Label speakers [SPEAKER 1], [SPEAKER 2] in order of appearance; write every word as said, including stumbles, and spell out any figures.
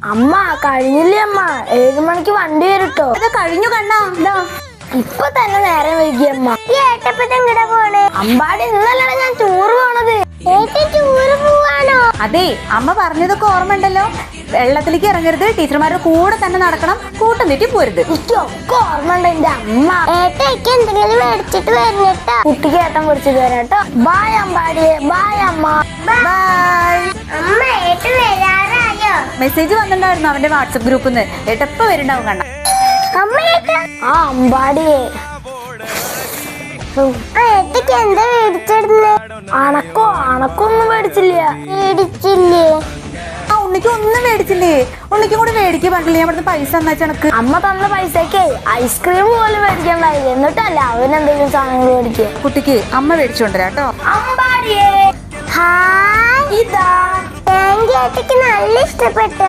[SPEAKER 1] അമ്മ കഴിഞ്ഞില്ലേ അമ്മ, ഏഴു മണിക്ക് വണ്ടി വരട്ടോ.
[SPEAKER 2] ഇത് കഴിഞ്ഞു കണ്ണാ. ഇതാ
[SPEAKER 1] ഇപ്പൊ തന്നെ നേരം വൈകി അമ്മ. ഈ ഏട്ടപ്പത്തെങ്ങടാ പോണേ? അമ്പാടി ഇന്നല്ലാണ് ഞാൻ ടൂറ് പോണത്. ടൂറ് പോവാണോ?
[SPEAKER 2] അതെ, അമ്മ പറഞ്ഞതൊക്കെ ഓർമ്മ ഉണ്ടല്ലോ. വെള്ളത്തിലേക്ക് ഇറങ്ങരുത്, ടീച്ചർമാരുടെ കൂടെ തന്നെ നടക്കണം, കൂട്ടം തെറ്റി പോരുത്.
[SPEAKER 1] എനിക്കൊക്കെ ഓർമ്മ ഉണ്ട് എന്റെ അമ്മ.
[SPEAKER 3] ഏട്ടയ്ക്ക് എന്തെങ്കിലും മേടിച്ചിട്ട് വരണേട്ടോ.
[SPEAKER 1] കുട്ടിക്ക് ഏട്ടൻ പിടിച്ചിട്ട് വരാട്ടോ. ബായ് അമ്പാടിയെ, ബായ് അമ്മ.
[SPEAKER 2] ബൈ.
[SPEAKER 3] അമ്മ ഏട്ട വരാറായോ?
[SPEAKER 2] മെസ്സേജ് വന്നിട്ടുണ്ടായിരുന്നു അവന്റെ വാട്സപ്പ് ഗ്രൂപ്പിൽ നിന്ന്. ഏട്ടപ്പ വരുന്നുണ്ടാവും കണ്ണ.
[SPEAKER 3] അമ്മ ഏട്ട
[SPEAKER 1] ആ അമ്പാടിയെ,
[SPEAKER 3] ഏട്ടയ്ക്ക് എന്താ മേടിച്ചിടുന്നേ?
[SPEAKER 1] അണക്കോ അണക്കൊന്നും മേടിച്ചില്ല.
[SPEAKER 3] മേടിച്ചില്ലേ?
[SPEAKER 2] ആ ഉണ്ണിക്ക് ഒന്നും മേടിച്ചില്ലേ? ഉണ്ണിക്കും കൂടെ മേടിക്കാൻ പറഞ്ഞില്ലേ? ഞാൻ ഇവിടുന്ന് പൈസ തന്നാ ചണക്ക്.
[SPEAKER 1] അമ്മ തന്ന പൈസക്ക് ഐസ്ക്രീം പോലും മേടിക്കണ്ടായി. എന്നിട്ടല്ല അവനെന്തെങ്കിലും സാധനങ്ങൾ മേടിക്കുക.
[SPEAKER 2] കുട്ടിക്ക് അമ്മ മേടിച്ചോണ്ടരാട്ടോ.
[SPEAKER 1] അമ്പാടിയെ,
[SPEAKER 3] ഹായ്,
[SPEAKER 1] ഇതാ.
[SPEAKER 3] Thank you. ഏട്ടയ്ക്ക് നല്ല ഇഷ്ടപ്പെട്ടു.